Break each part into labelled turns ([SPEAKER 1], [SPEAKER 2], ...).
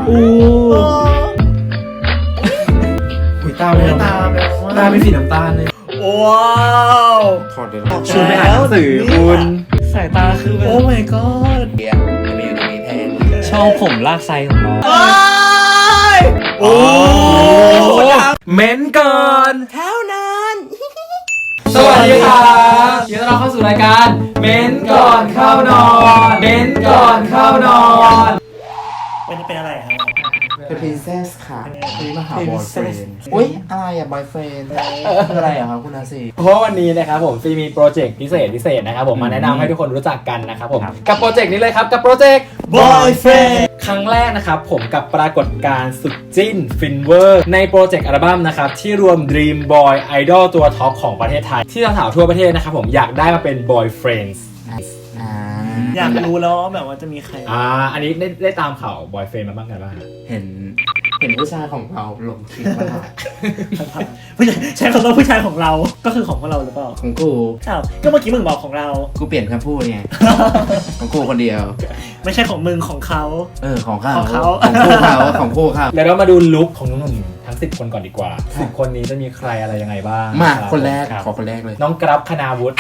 [SPEAKER 1] หุยตาเป็นสีน้ำตาลเลย
[SPEAKER 2] ว้าว
[SPEAKER 3] ถอดเลย
[SPEAKER 1] ชวนไปอ่านหนังสือคุณสายตาคือแบบ
[SPEAKER 2] โอ้ my god
[SPEAKER 3] เดี๋ยวมีอยู่ตรงนี้แทน
[SPEAKER 1] ชอบผมลากไซของน้อง
[SPEAKER 2] โอ้
[SPEAKER 1] เม้นก่อน
[SPEAKER 2] เท่านั้น
[SPEAKER 1] สวัสดีครับยินดีต้อนรับเข้าสู่รายการเม้นก่อนเข้านอนเม้นก่อนเข้านอน
[SPEAKER 2] วันนี้เป็นอะไรครับ
[SPEAKER 3] เป็น princess ค่ะคือมาหา boyfriend อุ้ยอะไรอ่ะ boyfriend คืออะไรอ่ะครับคุณอาซี
[SPEAKER 1] เพราะวันนี้นะครับผมซีมีโปรเจกต์พิเศษนะครับผมมาแนะนำให้ทุกคนรู้จักกันนะครับผมกับโปรเจกต์นี้เลยครับกับโปรเจกต์
[SPEAKER 2] boyfriend
[SPEAKER 1] ครั้งแรกนะครับผมกับปรากฏการณ์สุดจิ้นฟินเวอร์ในโปรเจกต์อัลบั้มนะครับที่รวม Dream Boy Idol ตัวท็อปของประเทศไทยที่สาวๆทั่วประเทศนะครับผมอยากได้มาเป็น boyfriends
[SPEAKER 2] อยากรู้แล้วแบบว่าจะมีใคร
[SPEAKER 1] อันนี้ได้ตามข่าว boyfriend มาบ้างกันบ้าง
[SPEAKER 3] เห็นผู้ชายของเราลงคลิปมา
[SPEAKER 2] ผู้ชายใช้คำว่าผู้ชายของเราก็คือของพวกเราหรือเปล่า
[SPEAKER 3] ของกู
[SPEAKER 2] อ้าวก็เมื่อกี้มึงบอกของเรา
[SPEAKER 3] กูเปลี่ยนคำพูดไงของกูคนเดียว
[SPEAKER 2] ไม่ใช่ของมึงของเขา
[SPEAKER 3] ของเขาของคู่เขาของคู่เขา
[SPEAKER 1] แล้วเรามาดูลุคของน้องหนุ่มทั้ง10คนก่อนดีกว่า10คนนี้จะมีใครอะไรยังไงบ้าง
[SPEAKER 3] มาคนแรกขอคนแรกเลย
[SPEAKER 1] น้องกรับคณาวุฒิ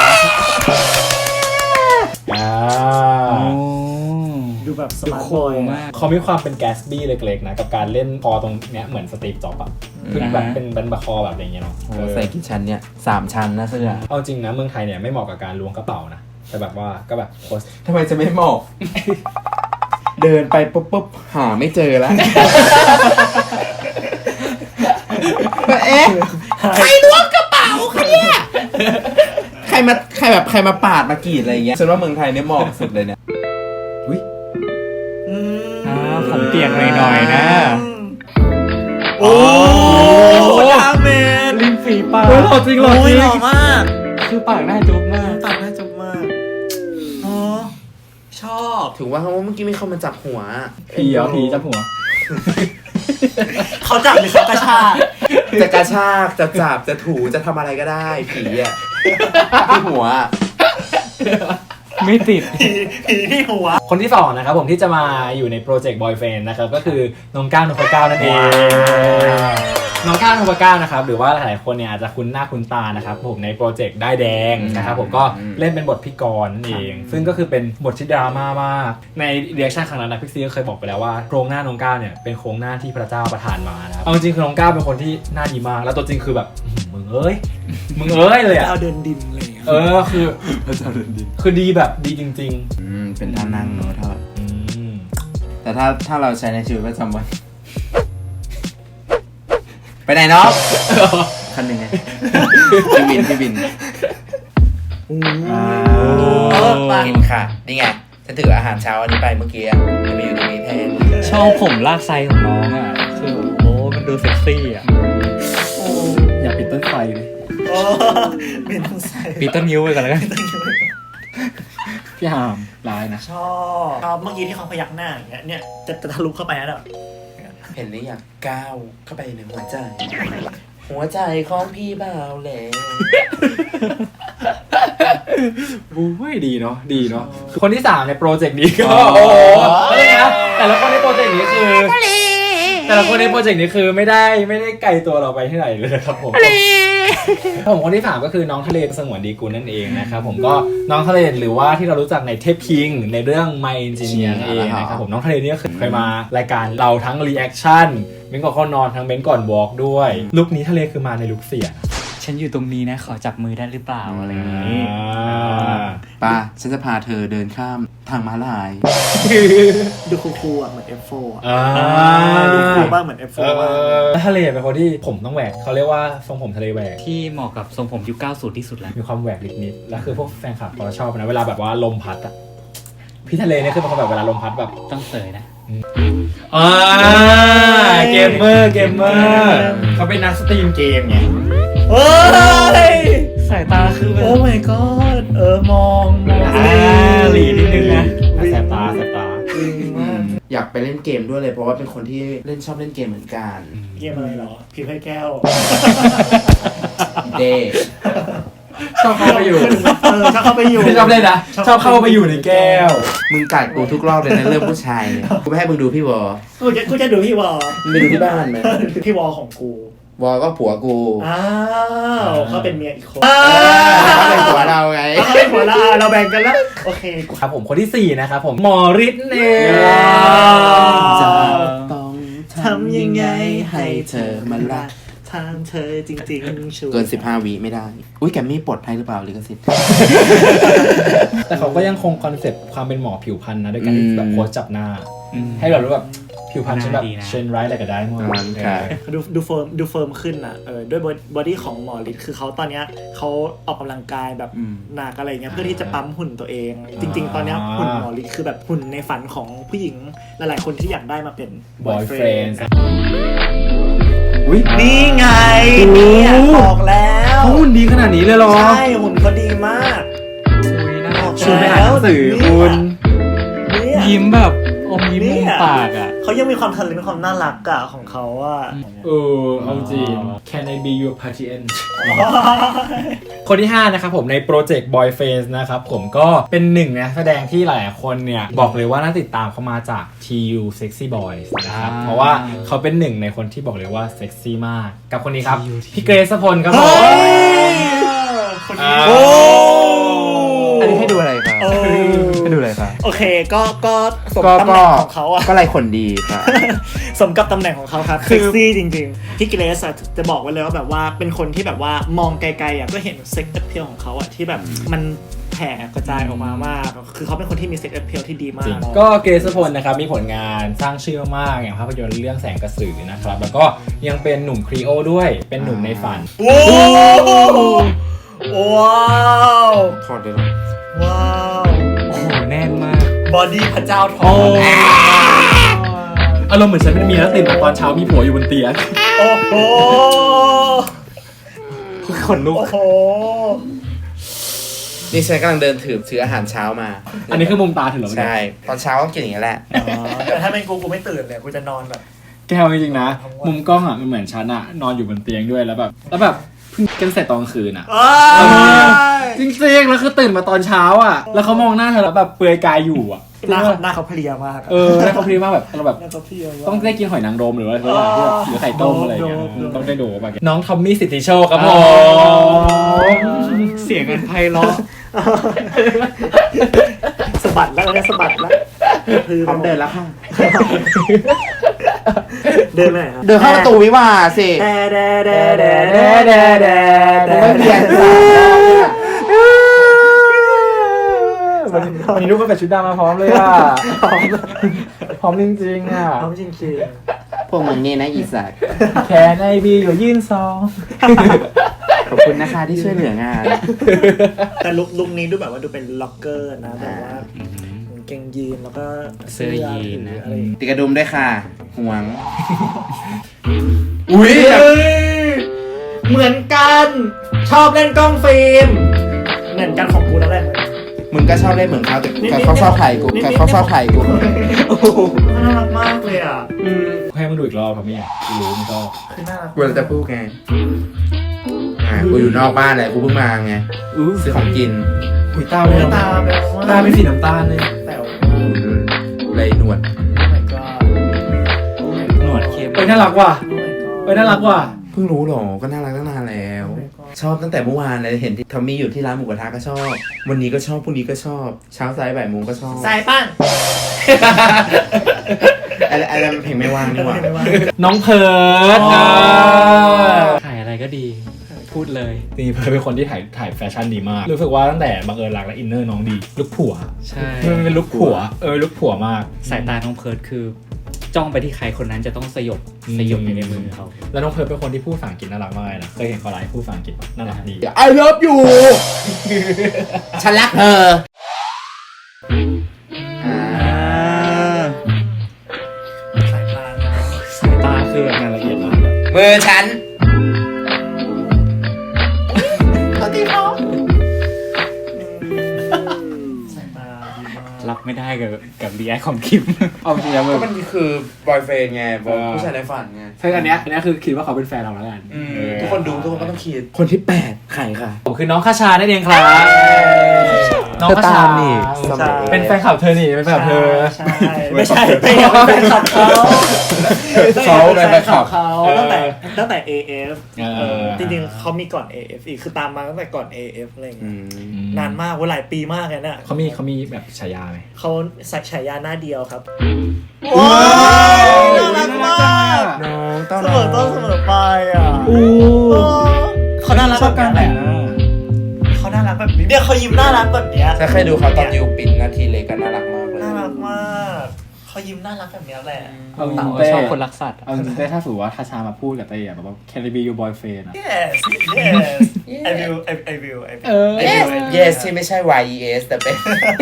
[SPEAKER 2] ดูแบบสมาร์ทบอยมาก
[SPEAKER 1] เขามีความเป็นแกสบี้เล็กๆนะกับการเล่นคอตรงเนี้ยเหมือนสตีฟจ็อบส์อะคือแบบเป็นบะคอแบบอย่างเงี้ยเนาะ
[SPEAKER 3] ใส่กี่ชั้นเนี่ย3 ชั้นนะเสื้อ
[SPEAKER 1] เอาจริงนะเมืองไทยเนี่ยไม่เหมาะกับการล้วงกระเป๋านะแต่แบบว่าก็แบบโพส
[SPEAKER 3] ทำไมจะไม่เหมาะ เดินไปปุ๊บหาไม่เจอแล้วใครล้วงกระเป๋าคะเนี่ยใครมาปาดมากรีดอะไรอย่างเงี้ยฉันว่าเมืองไทยเนี่ยเหมาะสุดเลยเนี่ย
[SPEAKER 1] อุ้ยผมเปียกหน่อยนะ
[SPEAKER 2] โอ้ดาเมจ
[SPEAKER 1] ริมฝีปาก
[SPEAKER 2] หล่อจริงหล่อมาก
[SPEAKER 1] คือปากหน้าจุ๊บมาก
[SPEAKER 2] ชอบ
[SPEAKER 3] ถึงว่าเมื่อกี้มีคนมาจับหัว
[SPEAKER 1] ผีจับหัว
[SPEAKER 2] เขาจับหรือเขากระชาก
[SPEAKER 3] จะกระชากจะจับจะถูจะทำอะไรก็ได้ผีอ่ะที่หัว
[SPEAKER 1] ไม่ติด
[SPEAKER 2] ผีที่หัว
[SPEAKER 1] คนที่2นะครับผมที่จะมาอยู่ในโปรเจกต์ Boyfriend นะครับก็คือน้องก้าวนพเก้านั่นเองน้องก้าวนพเก้านะครับหรือว่าหลายๆคนเนี่ยอาจจะคุ้นหน้าคุ้นตานะครับผมในโปรเจกต์ได้แดงนะครับผมก็เล่นเป็นบทพี่กรณ์นั่นเองซึ่งก็คือเป็นบทที่ดราม่ามากในเรีแอคชั่นครั้งนั้นนะพี่ซีก็เคยบอกไปแล้วว่าโครงหน้าน้องก้าวเนี่ยเป็นโครงหน้าที่พระเจ้าประทานมานะครับเอาจริงคือน้องก้าวเป็นคนที่หน้าดีมากแล้วตัวจริงคือแบบมึงเอ้ยเลยอะ
[SPEAKER 2] เอาเดินดินเลย
[SPEAKER 1] คือพระเจ้าเดินดินคือดีแบบดีจริง
[SPEAKER 3] ๆเป็นท่านั่งเนอะถ้าแต่ถ้าเราใช้ในชีวิตประจำวันไปไหนเนาะคันหนึ่งไงพี่บินกินค่ะนี่ไงฉันถืออาหารเช้าอันนี้ไปเมื่อกี้จะมีอยู่ตรงนี้แทน
[SPEAKER 1] ชอบผมลากไซของน้องอ่ะคือมันดูเซ็กซี่อ่ะอยากปิดต้นไฟเลย
[SPEAKER 2] ปิดต้นไฟ
[SPEAKER 1] ปิดต้นนิ้วไปก่อนแล้วกันพี่หามร้ายนะ
[SPEAKER 2] ชอบเมื่อกี้ที่เขาพยักหน้าอย่างเงี้ยเนี่ยจะทะลุเข้าไปแล้ว
[SPEAKER 3] เห็นหรือยังก้าวเข้าไปในหัวใจของพี่บ่าวแหล่
[SPEAKER 1] ดีเนาะคนที่3ในโปรเจกต์นี้ก็นะแต่ละคนในโปรเจกต์นี้คือไม่ได้ไกลตัวเราไปที่ไหนเลยครับผมคนที่3ก็คือน้องทะเลสงวนดีกุลนั่นเองนะครับผมก็น้องทะเลหรือว่าที่เรารู้จักในเทพคิงในเรื่อง My Engineer เองนะครับผมน้องทะเลนี่ก็เคยมารายการเราทั้งรีแอคชั่นเม้นก่อนเข้านอนทั้งเม้นก่อนวอล์กด้วยลุคนี้ทะเลคือมาในลุคเสียฉันอยู่ตรงนี้นะขอจับมือได้หรือเปล่าอะไรอย่างนี้
[SPEAKER 3] ป้าฉันจะพาเธอเดินข้ามทางม้าลาย
[SPEAKER 2] ดูคูลๆอ่ะเหมือน F4 ดูคูลบ้างเหมือน F4 บ้าง
[SPEAKER 1] ทะเลเป็นคนที่ผมต้องแหวกเขาเรียกว่าทรงผมทะเลแหวก
[SPEAKER 4] ที่เหมาะกับทรงผมยุค90ที่สุดแล้ว
[SPEAKER 1] มีความแหวกนิดๆแล้วคือพวกแฟนคลับเขาชอบนะเวลาแบบว่าลมพัดอ่ะพี่ทะเลเนี่ยคือเป็นคนแบบเวลาลมพัดแบบ
[SPEAKER 4] ต้องเสยนะ
[SPEAKER 1] เกมเมอร์เขาเป็นนักสตรีมเกมไงสายตาคือ
[SPEAKER 2] โอ้ my god มอง
[SPEAKER 1] หลีนิดนึงนะแสบตา
[SPEAKER 3] อยากไปเล่นเกมด้วยเลยเพราะว่าเป็นคนที่ชอบเล่นเกมเหมือนกัน
[SPEAKER 2] เกมอะไรหรอพิมพ์ให้แก้ว
[SPEAKER 3] เด
[SPEAKER 1] ชอบเข้าไปอยู่
[SPEAKER 2] ชอบเข้าไปอยู่
[SPEAKER 1] ไม่ชอบเล่นนะชอบเข้าไปอยู่ในแก้ว
[SPEAKER 3] มึงกัดกูทุกรอบเลยนะเรื่องผู้ชายเนี่ยกูไม่ให้มึงดูพี่วอ
[SPEAKER 2] กูจะดูพี่วอ
[SPEAKER 3] มึงไปดูที่บ้านไหม
[SPEAKER 2] พี่วอของกู
[SPEAKER 3] วอก็ผัวกู
[SPEAKER 2] อ้าวเขาเป็นเมียอีกคน
[SPEAKER 3] เขาเป็นผัวเราไง
[SPEAKER 2] เขาเป็นผัวเราแบ่งกันแล้วโอเค
[SPEAKER 1] ครับผมคนที่ 4 นะครับผมหมอฤทธิ์เอง
[SPEAKER 3] จะต้องทำยังไงให้เธอมารัก
[SPEAKER 2] ทางเธอจริงๆชัวร์
[SPEAKER 3] เกิน 15 วิไม่ได้ อุ้ยแกมมี่ปลดให้หรือเปล่าลิขสิทธิ์
[SPEAKER 1] แต่เขาก็ยังคงคอนเซ็ปต์ความเป็นหมอผิวพรรณนะด้วยการที่แบบโพสจับหน้า ให้เรารู้แบบผิวพรรณฉันแบบเชนไรท์อะไรก็ได้หมด
[SPEAKER 3] ใช่
[SPEAKER 2] ดูเฟิร์มขึ้นอ่ะด้วยบอดี้ของหมอฤทธิ์คือเขาตอนเนี้ยเขาออกกำลังกายแบบหนักอะไรเงี้ยเพื่อที่จะปั๊มหุ่นตัวเอง จริง ๆ ตอนเนี้ยหุ่นหมอฤทธิ์คือแบบหุ่นในฝันของผู้หญิงหลายๆคนที่อยากได้มาเป็น
[SPEAKER 1] boyfriend
[SPEAKER 3] อุ้ย
[SPEAKER 2] นี่ไงเนี่ยบอกแล้ว
[SPEAKER 1] เขาหุ่นดีขนาดนี้เลยเหรอ
[SPEAKER 2] ใช่หุ่นเขาดีมาก
[SPEAKER 1] ชวนไปอ่านหนังสือคุณ
[SPEAKER 2] เนี่ย
[SPEAKER 4] ยิ้มแบบอมยิ้มมุมปากอ่ะ
[SPEAKER 2] เขายังมีความทะเลมีความน่ารักอะของเขาอะ
[SPEAKER 1] เอาจริง Can I be your party end คนที่ 5 นะครับผมในโปรเจกต์ Boyfriends นะครับผมก็เป็นหนึ่งนะแสดงที่หลายคนเนี่ยบอกเลยว่าน่าติดตามเขามาจาก TU Sexy Boys นะครับเพราะว่าเขาเป็นหนึ่งในคนที่บอกเลยว่าเซ็กซี่มากกับคนนี้ครับ พี่เกรซพลครับผม
[SPEAKER 2] คนนี้
[SPEAKER 1] โอ้
[SPEAKER 3] อันนี้ให้ดูอะไรครับ
[SPEAKER 2] โอ้
[SPEAKER 3] ให้ดูอะไรครับ
[SPEAKER 2] โอเคก็สมตำแหน่งของเขาอะ
[SPEAKER 3] ก็ไรคนดีครับ
[SPEAKER 2] สมกับตำแหน่งของเขาครับเซ็กซี่จริงๆพี่เกรซอะจะบอกไว้เลยว่าแบบว่าเป็นคนที่แบบว่ามองไกลๆอะก็เห็นเซ็กซ์เพลของเขาอะที่แบบมันแผ่กระจายออกมามากคือเขาเป็นคนที่มีเซ็กซ์เพลที่ดีมาก
[SPEAKER 1] ก็เกรซพลนะครับมีผลงานสร้างชื่อมากอย่างภาพยนตร์เรื่องแสงกระสือนะครับแล้วก็ยังเป็นหนุ่มครีโอด้วยเป็นหนุ่มในฝัน
[SPEAKER 2] โอ้ว้าว
[SPEAKER 3] ถอดเลยเหรอ
[SPEAKER 2] ว้าว
[SPEAKER 1] โอ้โหแน่นมาก
[SPEAKER 2] บอดี้พระเจ้าท
[SPEAKER 1] โอ้
[SPEAKER 2] อง
[SPEAKER 1] อารมณ์เหมือนฉันเป็นเมียแล้วตื่นมาตอนเช้ามีผัวอยู่บนเตียง
[SPEAKER 2] โอ้โห
[SPEAKER 1] ขนลุก
[SPEAKER 2] โอ้โห
[SPEAKER 3] นี่ฉันกำลังเดินถืออาหารเช้ามา
[SPEAKER 1] อันนี้คือมุมตาถึงเหรอ
[SPEAKER 3] ใช่ ตอนเช้าก็กินอย่างนี้แหละ
[SPEAKER 2] แต่ถ้าเป็นกูไม่ตื่นเลยกูจะนอนแบบ
[SPEAKER 1] แก้วจริงๆนะ มุมกล้องอ่ะมันเหมือนฉันอ่ะนอนอยู่บนเตียงด้วยแล้วแบบเพิ่งกันเสร็จตอนกลางคืนอ่ะ จริงๆแล้วคือตื่นมาตอนเช้าอ่ะแล้วเขามองหน้าเธอแล้วแบบเปลือยกายอยู่อ่ะ
[SPEAKER 2] หน้าเขาเพลียมาก
[SPEAKER 1] แล้วเขาพรีมากแบบเราแบบ
[SPEAKER 2] หน้าเขาเพลียมาก
[SPEAKER 1] ต้องได้กินหอยนางรมหรือว่าอะไรที่แบบหรือไข่ต้มอะไรอย่างเงี้ย
[SPEAKER 2] โดน
[SPEAKER 1] ต้องได้ดูแบบน้องทอมมี่สิทธิโชคครับผม
[SPEAKER 4] เสียงอันไพเราะ
[SPEAKER 2] สะบัดแล้วเนี่ยสะบัดแล้วคือ
[SPEAKER 3] พร้อมเดินแล้วค่ะ
[SPEAKER 2] เดินไปไหนครับ
[SPEAKER 3] เดินเข้าประตูวิวาห์สิ
[SPEAKER 2] แดแดแดแด
[SPEAKER 1] แด่แด่แด่
[SPEAKER 3] มึงไม่เปลี่ยนสามรอบเนี่ย
[SPEAKER 1] วันนี้ลูกก็เป็นชุดดำมาพร้อมเลยอ่ะพร้อมจริงๆอ่ะ
[SPEAKER 2] พร้อมจริง
[SPEAKER 3] พวกมึงนี่นะอีสัก
[SPEAKER 1] แค่ในบีอยู่ยื่นซอง
[SPEAKER 3] ขอบคุณนะคะที่ช่วยเหลืองาน
[SPEAKER 2] ๆแต่ลุคนี้ดูแบบว่าดูเป็นล็อกเกอร์นะแบบว่ากางเกงยีนแล้วก็
[SPEAKER 4] เสื้อยีนนะ
[SPEAKER 2] อะไรอย่างเงี้ย
[SPEAKER 3] ติดกระดุมด้วยค่ะห่วง อุ้ย
[SPEAKER 2] เหมือนกันชอบเล่นกล้องฟิล์มเหมือนกันของกูนั่นแหละ
[SPEAKER 3] มึงก็ชอบเล่นเหมือนเขาแต่
[SPEAKER 2] นี่
[SPEAKER 3] เขาชอบถ่ายกูแต่เขาชอบถ่ายกู
[SPEAKER 2] น่ารักมากเลยอ่ะ
[SPEAKER 1] ให้มันดูอีกรอบครับเนี่ยรู้มันก็
[SPEAKER 2] คือน่ารัก
[SPEAKER 3] กูจะพูดไงกูอยู่นอกบ้านเลยกูเพิ่งมาไงซื้อของกิน
[SPEAKER 1] หุยตาเป็น
[SPEAKER 2] ตาแบบว่า
[SPEAKER 1] ตาเป็นสีน้ำตาลเลย
[SPEAKER 2] แต่ว่า
[SPEAKER 3] เลยหนวด
[SPEAKER 2] Oh my god
[SPEAKER 4] หนวดเข้ม
[SPEAKER 1] เอ้ยน่ารักว่ะ
[SPEAKER 2] Oh my god
[SPEAKER 1] เอ้ยน่ารักว่ะ
[SPEAKER 3] เพิ่งรู้หรอก็น่ารักตั้งนานแล้ว ชอบตั้งแต่เมื่อวานเลยเห็นที่ทอมมี่อยู่ที่ร้านหมูกระทะก็ชอบ วันนี้ก็ชอบพรุ่งนี้ก็ชอบ เช้าสายบ่ายโมงก็ชอบ
[SPEAKER 2] สายปั้น
[SPEAKER 3] อะไรมันเพลงไม่ว่างนี่หว่า
[SPEAKER 1] น้องเพิร์ด
[SPEAKER 2] อ๋อ
[SPEAKER 4] ถ่ายอะไรก็ดี พูดเลย
[SPEAKER 1] นี่เพิร์ดเป็นคนที่ถ่ายแฟชั่นดีมาก รู้สึกว่าตั้งแต่บังเอิญรักและอินเนอร์น้องดีลุคผัว
[SPEAKER 4] ใช่
[SPEAKER 1] มันเป็นลุคผัวลุคผัวมาก
[SPEAKER 4] สายตาน้องเพิร์ดคือ จ้องไปที่ใครคนนั้นจะต้องสยบอยู่ในมือเขา
[SPEAKER 1] แล้วน้องเพิร์ดเป็นคนที่พูดภาษาอังกฤษน่ารักมากเลยนะเคยเห็นเขาไลฟ์พูดภาษาอังกฤษปะน่ารักดี
[SPEAKER 3] I love you ฉันรักเธอ
[SPEAKER 2] สายตานะ
[SPEAKER 1] สายตาคือแบบงานละเอียดมาก
[SPEAKER 3] มือฉัน
[SPEAKER 2] สายตาดีมาก
[SPEAKER 4] รับไม่ได้กับรีแอคของคิม
[SPEAKER 1] เอาจริงๆแล้ว
[SPEAKER 3] ก็มันคือบอยเฟรนไงผู้ชายในฝันไง
[SPEAKER 1] ใช่อันเนี้ยคือคิดว่าเขาเป็นแฟนเราแล้วกัน
[SPEAKER 3] ทุกคนดูทุกคนก็ต้องคิด คนที่ 8 ใครค่ะ
[SPEAKER 1] ผมคือน้องคาชานั่นเองครับน้องคาชา
[SPEAKER 3] สมัย
[SPEAKER 1] เป็นแฟนคลับเธอนี่เป็นแฟนคลับเธอ
[SPEAKER 2] ใช่ไม่ใช่ไม่ใช่แฟนคลับเขา
[SPEAKER 3] เขาเป็นแฟนคลับ
[SPEAKER 2] เขาตั้งแต่ AF
[SPEAKER 1] เออ
[SPEAKER 2] จริงๆเขามีก่อน AF อีกคือตามมาตั้งแต่ก่อน AF อะไรอย่าง
[SPEAKER 3] อื
[SPEAKER 2] เงี้ย
[SPEAKER 3] ม
[SPEAKER 2] นานมากว่าหลายปีมากเลยน่ะ
[SPEAKER 1] เขามีแบบฉายาไหม
[SPEAKER 2] เขาใส่ฉายาหน้าเดียวครับ
[SPEAKER 3] ว้าว
[SPEAKER 2] น่ารักมาก
[SPEAKER 3] น้องต้อน
[SPEAKER 2] เสมอต้นเสมอปลายอ่ะเขาน่ารัก
[SPEAKER 1] ชอบการแต่งหน้า
[SPEAKER 2] เขาน่ารักแบบนี้เนี่ยเขายิ้มน่ารักแบบเนี้ย
[SPEAKER 3] ถ้าเคยดูเขาตอนยูปินนาทีเล็กก็น่ารักมากเลย
[SPEAKER 2] น่ารักมากเขายิ้มน่ารักแบบเนี้ยแหละ
[SPEAKER 1] เอาจริง
[SPEAKER 4] เราชอบคนรักสัตว์
[SPEAKER 1] เอาจริงๆถ้าสมมติว่าคาชามาพูดกับเต้อะแบบว่า can I be your boyfriend อะ
[SPEAKER 2] yes yes I will I will
[SPEAKER 3] เ yes ที่ไม่ใช่ yes แต่เป็น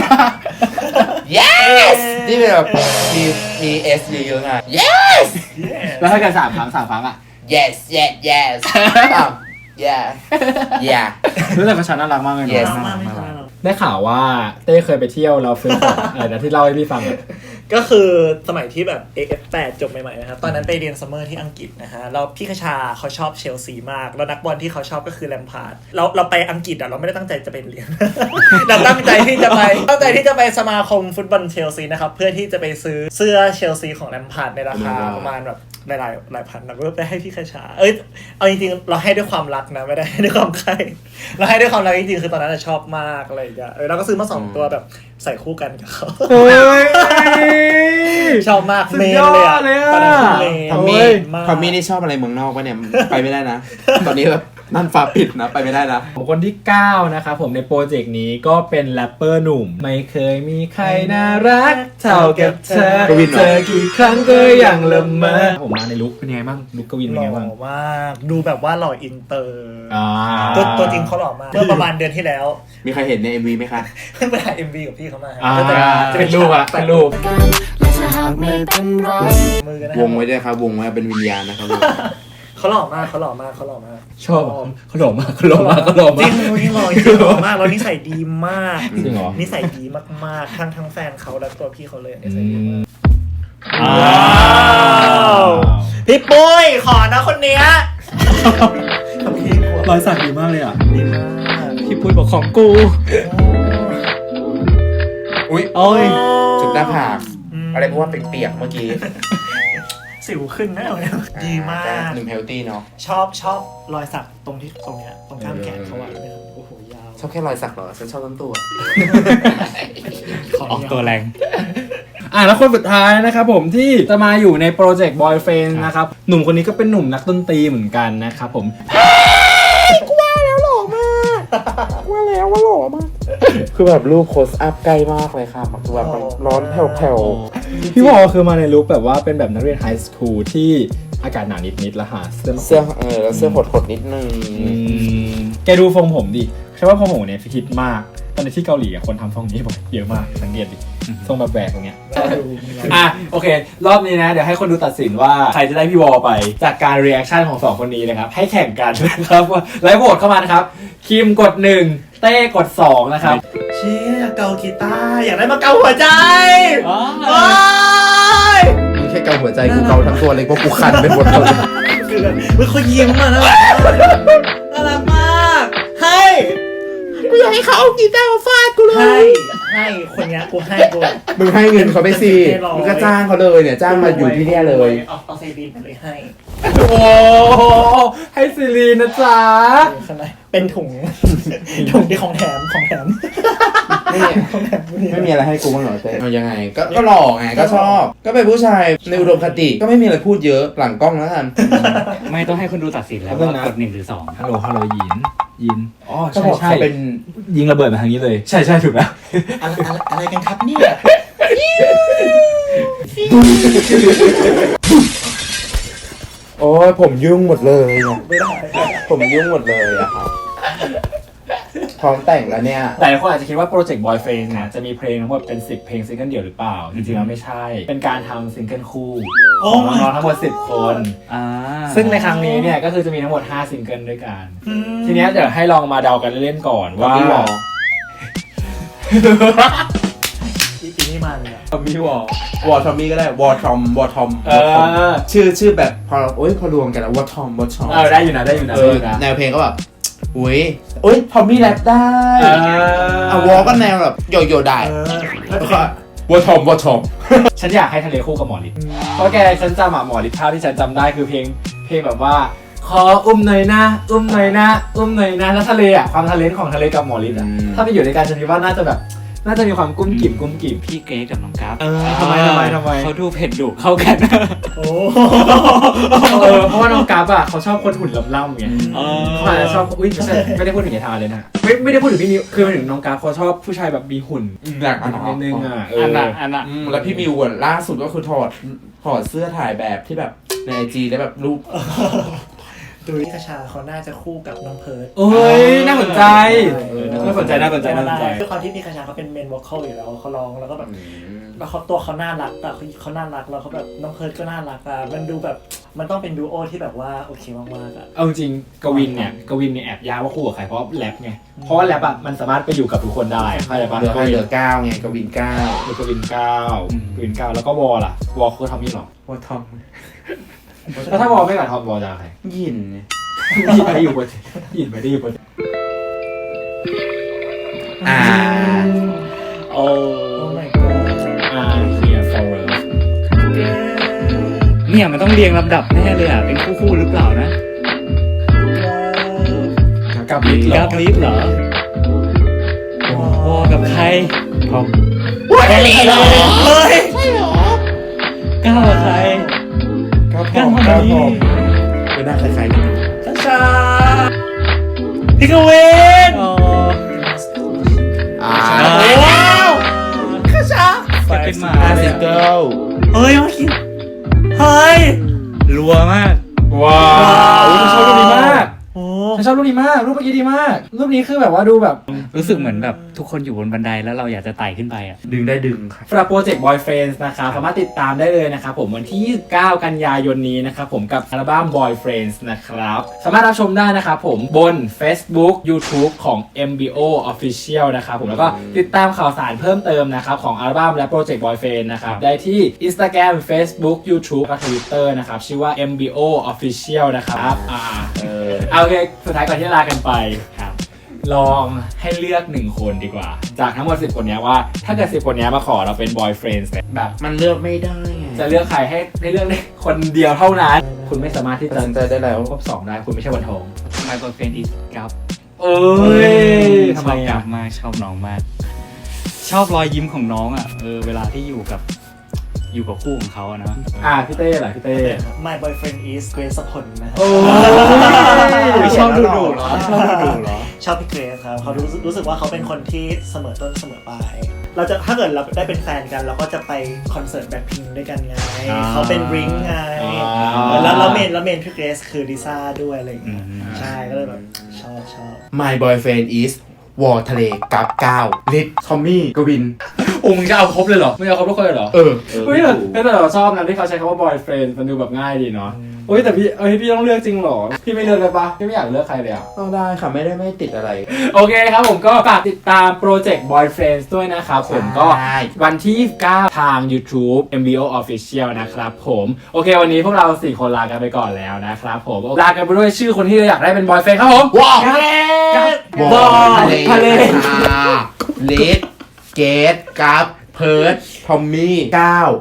[SPEAKER 3] yes ที่เป็นแบบมี s เยอะๆไง yes
[SPEAKER 2] yes
[SPEAKER 1] แล้วถ้าเกิด3 ครั้งอะ
[SPEAKER 3] yes yes yes อ้าว yeah yeah
[SPEAKER 1] รู้สึกคาชาน่ารักมากเลย
[SPEAKER 3] Yes
[SPEAKER 1] เนาะ
[SPEAKER 2] มากไม่ใช่หรอก
[SPEAKER 1] ได้ข่าวว่าเต้เคยไปเที่ยวแล้วซื้อของอะไรนะที่เล่าให้พี่ฟังอะ
[SPEAKER 2] ก็คือสมัยที่แบบ AF8 จบใหม่ๆนะครับตอนนั้นไปเรียนซัมเมอร์ที่อังกฤษนะฮะแล้วพี่คชาเขาชอบเชลซีมากแล้วนักบอลที่เขาชอบก็คือแลมพาร์ดเราไปอังกฤษอ่ะเราไม่ได้ตั้งใจจะไปเรียน เราตั้งใจที่จะไปสมาคมฟุตบอลเชลซีนะครับเพื่อที่จะไปซื้อเสื้อเชลซีของแลมพาร์ดในราคาประมาณแบบหลายพันแล้วก็ไปให้พี่คชาเอาจริงๆเราให้ด้วยความรักนะไม่ได้ให้ด้วยความใคร่เราให้ด้วยความรักจริงๆคือตอนนั้นชอบมากอะไรอย่างเงี้ยเราก็ซื้อมา2ตัวแบบใส่คู่กันกับเขา
[SPEAKER 1] เฮ้ย
[SPEAKER 2] ชอบมาก
[SPEAKER 1] สุด
[SPEAKER 2] เมน
[SPEAKER 1] ยอด
[SPEAKER 2] เลยอ่ะ
[SPEAKER 1] เลยอะ
[SPEAKER 2] ตอนนั้นคือเมน
[SPEAKER 3] ทอม
[SPEAKER 1] โอ้
[SPEAKER 3] มี่
[SPEAKER 1] ย
[SPEAKER 3] ทอมมี่นี่ชอบอะไรเมืองนอกปะเนี่ย ไปไม่ได้นะ ตอนนี้แบบนั่นฟ้าปิดนะ ไปไม่ได้นะ
[SPEAKER 1] ผมคนที่ 9 นะครับผมในโปรเจกต์นี้ก็เป็นแรปเปอร์หนุ่ม ไม่เคยมีใครน่ารักเท่ากับเธอก
[SPEAKER 3] วินเหรอ
[SPEAKER 1] เจอกี่ครั้งก็ยังละเมอผมมาในลุคเป็นไงบ้างลุคกวิน
[SPEAKER 2] ห
[SPEAKER 1] เป็น
[SPEAKER 2] ล่
[SPEAKER 1] ไงบ้าง
[SPEAKER 2] อมากดูแบบว่าหล่ออินเตอร์
[SPEAKER 1] อ่า
[SPEAKER 2] ตัวจริงเขาหล่อมากเมื่อประมาณเดือนที่แล้ว
[SPEAKER 3] มีใครเห็นใน MV ไหมคะ
[SPEAKER 2] เพิ่งไปถ่าย MV กับพี่เขามา
[SPEAKER 1] อ่า
[SPEAKER 2] ก็จะ
[SPEAKER 1] เป็นรูปอะเป็นรูป
[SPEAKER 2] มือกันนะ
[SPEAKER 3] วงไว้ด้วยครับ วงไว้เป็นวิญญาณนะครับ
[SPEAKER 2] เขาหล่อมาก
[SPEAKER 1] ชอบเขาหล่อมากเขาหล่อมากเขาหล่อมาก
[SPEAKER 2] จริงจริงหล่อจริงหล่อมากแล้วนิสัยดีมาก
[SPEAKER 1] จริงเหรอ
[SPEAKER 2] นิสัยดีมากๆทั้งแฟนเขาและตัวพี่เขาเลยนิสัยดีมาก
[SPEAKER 1] ว้า
[SPEAKER 2] ว้าวพี่ปุ้ยขอนะคนเนี้ยพี่กลัว
[SPEAKER 1] รอยสักดีมากเลยอ่ะ
[SPEAKER 2] ดีมาก
[SPEAKER 4] พี่ปุ้ยบอกของกู
[SPEAKER 3] อุ้ย
[SPEAKER 1] โอ้ย
[SPEAKER 3] จุดหน้าผากอะไรเพราะว่าเปียกๆเมื่อกี้
[SPEAKER 2] สิวขึ้นแน่เลยดีมาก
[SPEAKER 3] หนุ่มเฮลตี้เนาะ
[SPEAKER 2] ชอบรอยสักตรงเนี้ยตรงกล้ามแขนเขาอะโอ้โหยาว
[SPEAKER 3] ชอบแค่รอยสักเหรอ ฉันชอบทั้งตัว
[SPEAKER 4] ออกตัวแรง
[SPEAKER 1] แล้วคนสุดท้ายนะครับผมที่จะมาอยู่ในโปรเจกต์ Boyfriend นะครับหนุ่มคนนี้ก็เป็นหนุ่มนักดนตรีเหมือนกันนะครับผม
[SPEAKER 3] คือแบบรูปโคสอัพใกล้มากเลยค่ะมันคือแบบมันร้อนแผ่ว
[SPEAKER 1] พี่วอลคือมาในลุคแบบว่าเป็นแบบนักเรียนไฮสคูลที่อากาศหนาวนิดๆแล้วหาเสื้อมา
[SPEAKER 3] ๆเสื้อแล้วเสื้อหดๆนิดนึง
[SPEAKER 1] แกดูทรงผมดิใช่ว่าทรงผมเนี่ยฮิตมากตอนนี้ที่เกาหลีคนทำทรงนี้บ่อยเยอะมากสังเกตดิทรงแบบแหวกตรงเนี้ยโอเค รอบนี้นะเดี๋ยวให้คนดูตัดสินว่าใครจะได้พี่วอลไปจากการรีแอคชั่นของ2คนนี้นะครับให้แข่งกันนะครับไลฟ์โหวตเข้ามานะครับคิมกด1เต้กด2นะครับ
[SPEAKER 2] เชี่ยเกากีตาร์อยากได้มาเกาหัวใจ
[SPEAKER 1] อ๋อ
[SPEAKER 2] โอ๊ย
[SPEAKER 3] มึงแค่เกาหัวใจกูเกาทั้งตัวเลยเพราะกูคันเป็นหมดเลย
[SPEAKER 2] คือมันเขายิ้มอ่ะน่ารักมากให้
[SPEAKER 3] กูอยากให้เขาเอากีตาร์มาฟาดกูเลย
[SPEAKER 2] ให้คนเนี้ยกูให้กู
[SPEAKER 3] มึงให้เงินเขาไปสิ
[SPEAKER 2] ให้ร้อย
[SPEAKER 3] มึงก็จ้างเขาเลยเนี่ยจ้างมาอยู่ที่เนี่ยเลย
[SPEAKER 2] เอาเซรีนไปเลยให้
[SPEAKER 1] โอ้ให้ซิลีนนะจ๊ะ
[SPEAKER 2] ข้างในเป็นถุงที่ของแถม
[SPEAKER 3] ไม่มีไม่มีอะไรให้กูบ้างเหรอเต้เอายังไงก็หล่อไงก็ชอบ ก็เป็นผู้ชายในอุดมคติก็ไม่มีอะไรพูดเยอะหลังกล้องแล้วกัน
[SPEAKER 4] ไม่ต้องให้คนดูตัดสินแล้วว่ากด1 หรือ 2
[SPEAKER 1] ฮัลโหลยินอ๋อ
[SPEAKER 3] ก็
[SPEAKER 1] ใช่
[SPEAKER 3] บอก
[SPEAKER 1] ใช่
[SPEAKER 3] เขาเป็น
[SPEAKER 1] ยิงระเบิดมาทางนี้เลย ใช่ถูกแล้ว
[SPEAKER 2] อะไรกันครับเนี่ย
[SPEAKER 3] โอ้ยผมยุ่งหมดเลยเนี่ย
[SPEAKER 2] ไม่ได้
[SPEAKER 3] ผมยุ่งหมดเลยอะครับพร้อมแต่งแล้วเนี่ย
[SPEAKER 1] แต่คนอาจจะคิดว่าโปรเจกต์ Boyfriend เนี่ยจะมีเพลงทั้งหมดเป็น10เพลงซิงเกิลเดี่ยวหรือเปล่าจริงๆแล้วไม่ใช่ เป็นการทำซิงเกิลคู่ของน้องๆทั้งหมด10คน ซึ่งในครั้งนี้เนี่ยก็คือจะมีทั้งหมด5ซิงเกิลด้วยกัน ทีเนี้ยเดี๋ยวให้ลองมาเดากันเล่นๆก่อนว่า
[SPEAKER 3] พี่วอ
[SPEAKER 2] อีนี่มันเนี่ย
[SPEAKER 1] พี่วอ
[SPEAKER 3] วอทอมมี่ก็ได้วอทอมชื่อแบบพอรวมกันแล้ววอทอม
[SPEAKER 1] ได้อยู่นะ
[SPEAKER 3] แนวเพลงก็แบบอุ้ยโอ้ยทอมมี่แรปได้เอาวอลก็แนวแบบโยโย่ได้
[SPEAKER 2] แล้ว
[SPEAKER 3] แล้ว
[SPEAKER 2] ก็
[SPEAKER 3] ก็วอทอมวอทอม
[SPEAKER 1] ฉันอยากให้ทะเลคู่กับหมอฤทธิ์เพราะแกฉันจำหมอฤทธิ์ภาพที่ฉันจำได้คือเพลงแบบว่าขออุ้มหน่อยนะอุ้มหน่อยนะอุ้มหน่อยนะแล้วทะเลความทะเลของทะเลกับหมอฤทธิ์ถ้าไปอยู่ในการฉันคิดว่าน่าจะมีความกุ้มกิ่ม
[SPEAKER 4] พี่เกรซกับน้องกราฟ
[SPEAKER 1] ทำไม
[SPEAKER 4] เขาดูเผ็ดดุเข้ากัน
[SPEAKER 2] โอ้
[SPEAKER 1] เพราะว่าน้องกราฟเขาชอบคนหุ่นล่ำๆไงเขาอาจจะชอบไม่ได้พูดถึงยายทาเลยนะไม่ได้พูดถึงพี่มิวคือหมายถึงน้องกราฟเขาชอบผู้ชายแบบมีหุ่น
[SPEAKER 3] หนักอัน
[SPEAKER 1] นิดนึงอ่ะ
[SPEAKER 4] อันน่ะ
[SPEAKER 3] แล้วพี่มิวล่าสุดก็คือถอดเสื้อถ่ายแบบที่แบบในไอจีแล้วแบบรูป
[SPEAKER 2] ดูที่คชาเขาน่าจะคู่กับน้องเพิร์ด
[SPEAKER 1] โอ้ยน่าสนใจน่าสนใจ
[SPEAKER 2] ด้วยความที่พี่คชาเขาเป็นเมนวอลคอลอยู่แล้วเขาร้องแล้วก็แบบแล้วเขาตัวเขาน่ารักอะเขาน่ารักแล้วเขาแบบน้องเพิร์ดก็น่ารักอะมันดูแบบมันต้องเป็นดูโอที่แบบว่าโอเคมากๆอะ
[SPEAKER 1] เอาจริงกวินเนี่ยแอบยากว่าคู่กับใครเพราะแรปไงเพราะว่าแรปอ่ะมันสามารถไปอยู่กับทุกคนได้เข้าใจปะ
[SPEAKER 3] เหลือ9ไงกวิน9
[SPEAKER 1] กวิน9แล้วก็วอลล่ะวอลคือทอมมี่หรอ
[SPEAKER 3] วอทอม
[SPEAKER 1] แล้วถ้าวอลไม่กับทอมวอลจะใคร
[SPEAKER 3] ยินไง
[SPEAKER 1] ยินไม่ได้อยู่บน
[SPEAKER 3] อ่า
[SPEAKER 4] โอ้
[SPEAKER 2] my god
[SPEAKER 1] here for love
[SPEAKER 4] เนี่ยมันต้องเรียงลำดับแน่เลยอ่ะเป็นคู่หรือเปล่านะ
[SPEAKER 1] กับลิท
[SPEAKER 4] กราฟลิฟเหรอวอกับใคร
[SPEAKER 1] ทอม
[SPEAKER 2] ทะเลเหรอเฮ้ย
[SPEAKER 4] ก้าวกับใคร
[SPEAKER 3] 9 ผมไม่น่าคล้ายๆกัน
[SPEAKER 2] คชาพี่กวิน
[SPEAKER 4] อ๋อ
[SPEAKER 2] ว้าวคชา
[SPEAKER 4] จะเป็นหมา
[SPEAKER 3] ซิงเกิล
[SPEAKER 2] เฮ้ยมาคิดเฮ้ย
[SPEAKER 4] รัวมาก
[SPEAKER 1] ว้าวฉันชอบรูปนี้มาก
[SPEAKER 2] โอ้
[SPEAKER 1] ฉันชอบรูปนี้มากรูปเมื่อกี้ดีมากรูปนี้คือแบบว่าดูแบบ
[SPEAKER 4] รู้สึกเหมือนแบบทุกคนอยู่บนบันไดแล้วเราอยากจะไต่ขึ้นไปอ่ะ
[SPEAKER 3] ดึงได้ดึงครับ
[SPEAKER 1] สำหรับโปรเจกต์ Boyfriends นะครับสามารถติดตามได้เลยนะครับผมวันที่ 29 กันยายนนี้นะครับผมกับอัลบั้ม Boyfriends นะครับสามารถรับชมได้นะครับผมบน Facebook YouTube ของ MBO Official นะครับผมแล้วก็ติดตามข่าวสารเพิ่มเติมนะครับของอัลบั้มและโปรเจกต์ Boyfriends นะครับได้ที่ Instagram Facebook YouTube และ Twitter นะครับชื่อว่า MBO Official นะครับเอาโอเคสุดท้ายก่อนที่จะลากันไป
[SPEAKER 4] ครับ
[SPEAKER 1] ลองให้เลือก1คนดีกว่า จากทั้งหมด10 คนนี้ว่าถ้าเกิด10 คนนี้มาขอเราเป็น boyfriend แบบ
[SPEAKER 3] มันเลือกไม่ได้ไง
[SPEAKER 1] จะเลือกใครให้เลือกได้คนเดียวเท่านั้น คุณไม่สามารถที่
[SPEAKER 3] ตัด
[SPEAKER 1] จะ
[SPEAKER 3] สินใจได้แล้ว
[SPEAKER 1] ครบ2ได้คุณไม่ใช่วันทอง
[SPEAKER 4] My boyfriend is กราฟ
[SPEAKER 1] เอ้ยทำไม
[SPEAKER 4] ชอบกรา
[SPEAKER 1] อ่ะ
[SPEAKER 4] ฟมากชอบน้องมาก ชอบรอยยิ้มของน้องอ่ะเวลาที่อยู่กับคู่ของเขาอะนะ
[SPEAKER 1] พี่เต้ล่ะพี่เต้
[SPEAKER 2] My boyfriend is เกรซพลนะ
[SPEAKER 1] โอ้
[SPEAKER 4] ไม่ชอบดูเหรอชอบดูเหรอ
[SPEAKER 2] ชอบพี่เกรซครับเขารู้สึกว่าเขาเป็นคนที่เสมอต้นเสมอปลายเราจะถ้าเกิดเราได้เป็นแฟนกันเราก็จะไปคอนเสิร์ตแบ็คพิงด้วยกันไงเขาเป็นริงไงแล้วเมนพี่เกรซคือลิซ่าด้วยอะไรอย่างเงี้ยใช่ก็เลยแบบชอบ
[SPEAKER 3] My boyfriend is วอทะเลกับ9ลิททอมมี่กวิน
[SPEAKER 1] โอ้มึงจะเอาครบเลยเหรอมึงจะเอาครบทุกคนเลยเหรอ
[SPEAKER 3] เออ
[SPEAKER 1] เฮ้ยแต่เราชอบนะที่เขาใช้คำว่า boyfriend มันดูแบบง่ายดีเนาะเฮ้ยแต่พี่ต้องเลือกจริงเหรอพี่ไม่เลือกเลยปะพี่ไม่อยากเลือกใครเลยอ่ะ
[SPEAKER 3] ต้องได้ค่ะไม่ติดอะไร
[SPEAKER 1] โอเคครับผมก็ฝากติดตามโปรเจกต์ Boyfriends ด้วยนะครับผมก็
[SPEAKER 3] ใช่
[SPEAKER 1] วันที่ 29 ทาง YouTube MBO Official นะครับผมโอเควันนี้พวกเรา 4 คนลากันไปก่อนแล้วนะครับผมลากันไปด้วยชื่อคนที่เราอยากได้เป็น Boyfriend ครับผม
[SPEAKER 3] ว้าว
[SPEAKER 1] วอทะเล
[SPEAKER 3] ลิทเกตกับเพิร์ดทอมมี่9